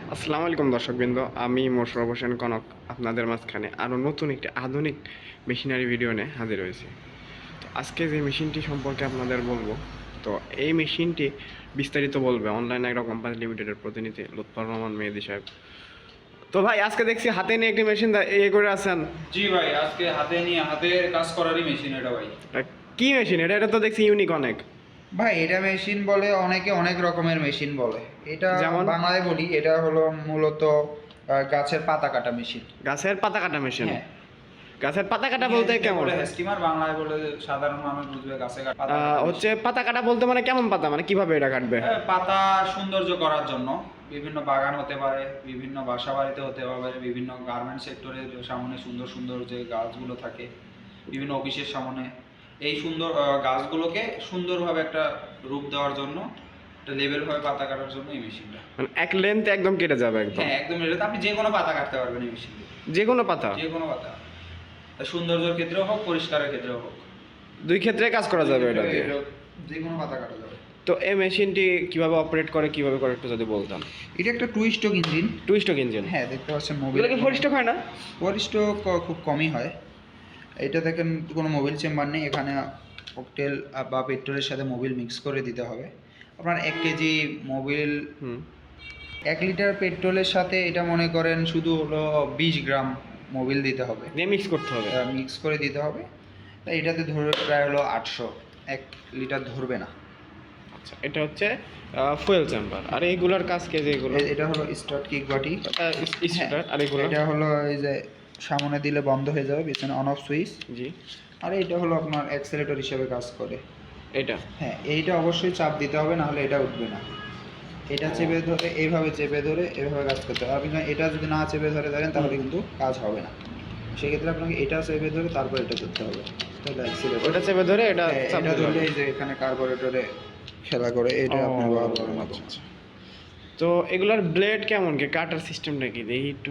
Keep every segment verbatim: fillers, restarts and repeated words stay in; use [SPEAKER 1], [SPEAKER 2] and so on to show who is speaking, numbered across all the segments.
[SPEAKER 1] আসসালামু আলাইকুম দর্শকবৃন্দ, আমি মোশাররফ হোসেন কনক আপনাদের মাঝখানে আরও নতুন একটি আধুনিক মেশিনারি ভিডিও নিয়ে হাজির হয়েছি। তো আজকে যে মেশিনটি সম্পর্কে আপনাদের বলবো, তো এই মেশিনটি বিস্তারিত বলবে অনলাইন এগ্রো কোম্পানি লিমিটেডের প্রতিনিধি লুৎফর রহমান মেহেদী সাহেব। তো ভাই, আজকে দেখছি হাতে নিয়ে একটি মেশিন ইয়ে করে আছেন।
[SPEAKER 2] জি ভাই, আজকে হাতে নিয়ে হাতের কাজ করারই মেশিন এটা ভাই।
[SPEAKER 1] তা কি মেশিন এটা? এটা তো দেখছি ইউনিক অনেক।
[SPEAKER 3] ভাই এটা মেশিন বলে, অনেকে অনেক রকমের মেশিন বলে। এটা
[SPEAKER 1] যেমন?
[SPEAKER 3] বাংলায় বলি, এটা হলো মূলত আহ, গাছের পাতা কাটা মেশিন।
[SPEAKER 1] গাছের পাতা কাটা মেশিন?
[SPEAKER 3] হ্যাঁ।
[SPEAKER 1] গাছের পাতা কাটা বলতে কেমন?
[SPEAKER 2] স্টিমার বাংলায় বলে সাধারণ মানুষ বুঝবে গাছে কাটা পাতা
[SPEAKER 1] আহ,
[SPEAKER 2] কাটা
[SPEAKER 1] হচ্ছে
[SPEAKER 2] মেশিন।
[SPEAKER 1] পাতা কাটা বলতে মানে কেমন পাতা, মানে কিভাবে এটা কাটবে?
[SPEAKER 2] এ, পাতা সৌন্দর্য করার জন্য বিভিন্ন বাগান হতে পারে, বিভিন্ন বাসা বাড়িতে হতে পারে, বিভিন্ন গার্মেন্টস সেক্টরে সামনে সুন্দর সুন্দর যে গাছগুলো থাকে, বিভিন্ন অফিসের সামনে এই সুন্দর আহ, গাছগুলোকে সুন্দরভাবে একটা রূপ দেওয়ার জন্য, একটা লেভেল ভাবে পাতা কাটার জন্য এই মেশিনটা।
[SPEAKER 1] মানে এক লেন্থে একদম কেটে যাবে একদম?
[SPEAKER 2] হ্যাঁ, একদম এটা আপনি যে কোনো পাতা কাটতে পারবেন এই মেশিন দিয়ে।
[SPEAKER 1] যে কোনো পাতা?
[SPEAKER 2] যে কোনো পাতা, সৌন্দর্যের ক্ষেত্রেও হোক, পরিষ্কারের ক্ষেত্রেও হোক,
[SPEAKER 1] দুই ক্ষেত্রে কাজ করা যাবে এটা দিয়ে?
[SPEAKER 3] যে কোনো পাতা কাটা যাবে।
[SPEAKER 1] তো এই মেশিনটি কিভাবে অপারেট করে, কিভাবে করে একটু যদি বলতাম।
[SPEAKER 3] এটা একটা two stroke engine.
[SPEAKER 1] Two stroke engine?
[SPEAKER 3] হ্যাঁ, দেখতে পাচ্ছেন মোবিল।
[SPEAKER 1] এগুলো কি ফোর স্ট্রোক হয় না?
[SPEAKER 3] ফোর স্ট্রোক খুব কমই হয়। এটা দেখেন কোনো মোবিল চেম্বার নেই, এখানে ককটেল বা পেট্রোলের সাথে মোবিল মিক্স করে দিতে হবে। আপনার এক কেজি মোবিল,
[SPEAKER 1] হুম।
[SPEAKER 3] এক লিটার পেট্রোলের সাথে এটা মনে করেন শুধু হলো বিশ গ্রাম মোবিল দিতে হবে,
[SPEAKER 1] দিয়ে মিক্স করতে হবে?
[SPEAKER 3] মিক্স করে দিতে হবে। তাই এটাতে ধরবে প্রায় হলো আটশো, এক লিটার ধরবে না।
[SPEAKER 1] আচ্ছা, এটা হচ্ছে ফুয়েল চেম্বার। আর এইগুলোর কাজ কে? যে এগুলো
[SPEAKER 3] এ- এটা হলো স্টার্ট কিক বাটি।
[SPEAKER 1] স্টার্টার। আর এগুলো?
[SPEAKER 3] এটা হলো এই যে সামনে দিলে বন্ধ হয়ে যাবে, পিছনে অন অফ সুইচ।
[SPEAKER 1] জি।
[SPEAKER 3] আর এটা হলো আপনার অ্যাক্সেলেটর হিসেবে কাজ করে।
[SPEAKER 1] এটা?
[SPEAKER 3] হ্যাঁ, এইটা অবশ্যই চাপ দিতে হবে, না হলে এটা উঠবে না। এটা চেপে ধরে, এইভাবে চেপে ধরে এভাবে কাজ করতে হবে। আপনি এটা যদি না চেপে ধরে ধরেন তাহলে কিন্তু কাজ হবে না। সেক্ষেত্রে আপনাকে এটা চেপে ধরে তারপর এটা করতে হবে, তাহলে অ্যাক্সেলেটর।
[SPEAKER 1] ওটা চেপে ধরে এটা
[SPEAKER 3] হ্যাঁ,
[SPEAKER 1] চাপ
[SPEAKER 3] এটা
[SPEAKER 1] দিতে
[SPEAKER 3] ধরলে
[SPEAKER 1] হবে।
[SPEAKER 3] এই যে এখানে কার্বোরেটরে খেলা করে, এটা আপনি
[SPEAKER 1] ও,
[SPEAKER 3] ব্যবহার করেন।
[SPEAKER 1] আচ্ছা আচ্ছা। তো এগুলার ব্লেড কেমন, কি কাটার সিস্টেমটা কি দেখি একটু?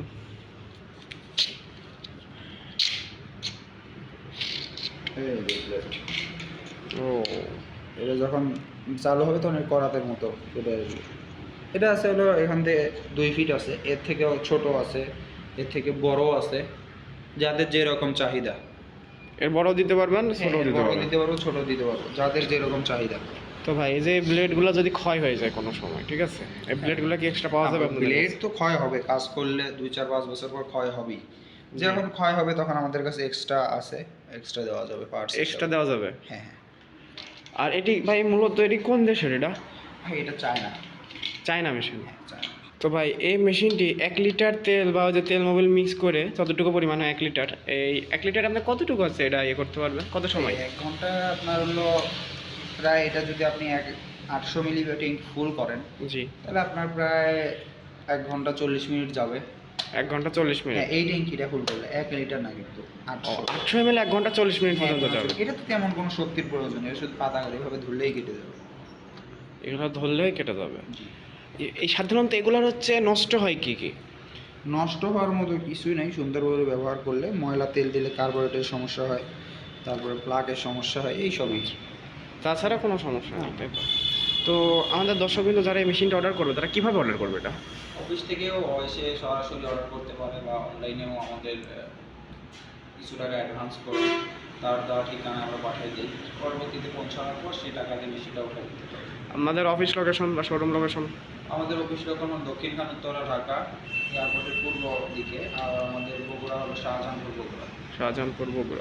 [SPEAKER 3] এই যে blade।
[SPEAKER 1] ও,
[SPEAKER 3] এটা যখন চালু হবে তখন এর করাতের মতো এটা আসবে। এটা আছে হলো এখান থেকে দুই ফিট আছে, এর থেকেও ছোট আছে, এর থেকে বড় আছে, যাদের যেরকম চাহিদা।
[SPEAKER 1] এর বড় দিতে পারবেন, ছোট
[SPEAKER 3] হ্যাঁ,
[SPEAKER 1] দিতে
[SPEAKER 3] বড়
[SPEAKER 1] পারবেন?
[SPEAKER 3] দিতে পারবো, ছোট দিতে পারবো, যাদের যেরকম চাহিদা।
[SPEAKER 1] তো ভাই, এই যে ব্লেডগুলো যদি ক্ষয় হয়ে যায় কোনো সময়, ঠিক আছে, এই ব্লেডগুলো কি এক্সট্রা পাওয়া যাবে আপনাদের
[SPEAKER 3] ব্লেড
[SPEAKER 1] কাছে?
[SPEAKER 3] তো ক্ষয় হবে, কাজ করলে দুই চার পাঁচ বছর পর ক্ষয় হবেই। যখন ক্ষয় হবে তখন আমাদের কাছে এক্সট্রা আছে, এক্সট্রা দেওয়া যাবে, পার্টস
[SPEAKER 1] এক্সট্রা দেওয়া যাবে?
[SPEAKER 3] হ্যাঁ হ্যাঁ।
[SPEAKER 1] আর এটি ভাই মূলত এটি কোন দেশের এটা?
[SPEAKER 3] ভাই এটা চায় না।
[SPEAKER 1] China machine?
[SPEAKER 3] হ্যাঁ, চায় না।
[SPEAKER 1] তো ভাই, এই মেশিনটি এক লিটার তেল বা ওই যে তেল মোবিল মিক্স করে যতটুকু পরিমাণে এক লিটার, এই এক লিটার আপনার কতটুকু আছে এটা ইয়ে করতে পারবেন, কত সময়?
[SPEAKER 3] এক ঘন্টা আপনার হলো প্রায়, এটা যদি আপনি এক আটশো মিলি ব্যাটিং ফুল করেন
[SPEAKER 1] জি।
[SPEAKER 3] তাহলে আপনার প্রায় এক ঘন্টা চল্লিশ মিনিট যাবে।
[SPEAKER 1] এক ঘন্টা চল্লিশ মিনিট?
[SPEAKER 3] হ্যাঁ, এই ট্যাঙ্কিটা ফুল করলে এক লিটার না, কিন্তু
[SPEAKER 1] ও,
[SPEAKER 3] আটশো।
[SPEAKER 1] আটশো এম এল এক ঘন্টা চল্লিশ মিনিট
[SPEAKER 3] হ্যাঁ,
[SPEAKER 1] পর্যন্ত যাবে?
[SPEAKER 3] এটা তো তেমন কোনো শক্তির প্রয়োজন নেই, এটা শুধু পাতা করে এভাবে ধরলেই কেটে যাবে।
[SPEAKER 1] এগুলো ধরলেই কেটে যাবে?
[SPEAKER 3] জি।
[SPEAKER 1] এ- এই সাধারণত এগুলোর হচ্ছে নষ্ট হয় কি কি?
[SPEAKER 3] নষ্ট হওয়ার মতো কিছুই নেই, সুন্দরভাবে ব্যবহার করলে। ময়লা তেল দিলে কার্বোরেটের সমস্যা হয়, তারপরে প্লাগের সমস্যা হয়, এই সবই।
[SPEAKER 1] তাছাড়া কোনো সমস্যা নেই, তাই তো? তো আমাদের দর্শকবৃন্দ যারা এই মেশিনটা অর্ডার করবে, তারা কীভাবে অর্ডার করবে এটা?
[SPEAKER 2] অফিস থেকেও এসে সরাসরি অর্ডার করতে পারে, বা অনলাইনেও আমাদের আহ, কিছু টাকা অ্যাডভান্স করে তার দেওয়া ঠিকানা আমরা পাঠিয়ে দিই। পরবর্তীতে পৌঁছানোর পর সেই টাকা দিয়ে বেশিটা উঠে দিতে পারি।
[SPEAKER 1] আমাদের অফিস লোকেশন বা শোরুম লোকেশন?
[SPEAKER 2] আমাদের অফিস লোকেশন দক্ষিণখান উত্তরা ঢাকা, এয়ারপোর্টের পূর্ব দিকে। আর আমাদের বগুড়া হলো শাহজাহানপুর বগুড়া।
[SPEAKER 1] শাহজাহানপুর, বগুড়া।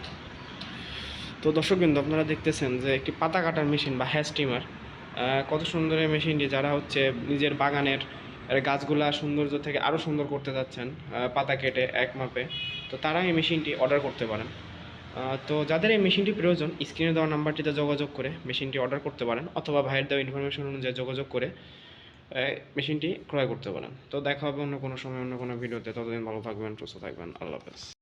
[SPEAKER 1] তো দর্শকবৃন্দ, আপনারা দেখতেছেন যে একটি পাতা কাটার মেশিন বা হ্যাঁ স্টিমার, কত সুন্দর এই মেশিনটি। যারা হচ্ছে নিজের বাগানের গাছগুলা সৌন্দর্য থেকে আরও সুন্দর করতে যাচ্ছেন পাতা কেটে এক মাপে, তো তারা এই মেশিনটি অর্ডার করতে পারেন। আহ, তো যাদের এই মেশিনটি প্রয়োজন, স্ক্রিনে দেওয়া নাম্বারটিতে যোগাযোগ করে মেশিনটি অর্ডার করতে পারেন, অথবা ভাইয়ের দেওয়া ইনফরমেশন অনুযায়ী যোগাযোগ করে আহ, মেশিনটি ক্রয় করতে পারেন। তো দেখা হবে অন্য কোনো সময়, অন্য কোনো ভিডিওতে। ততদিন ভালো থাকবেন, সুস্থ থাকবেন। আল্লাহ হাফেজ।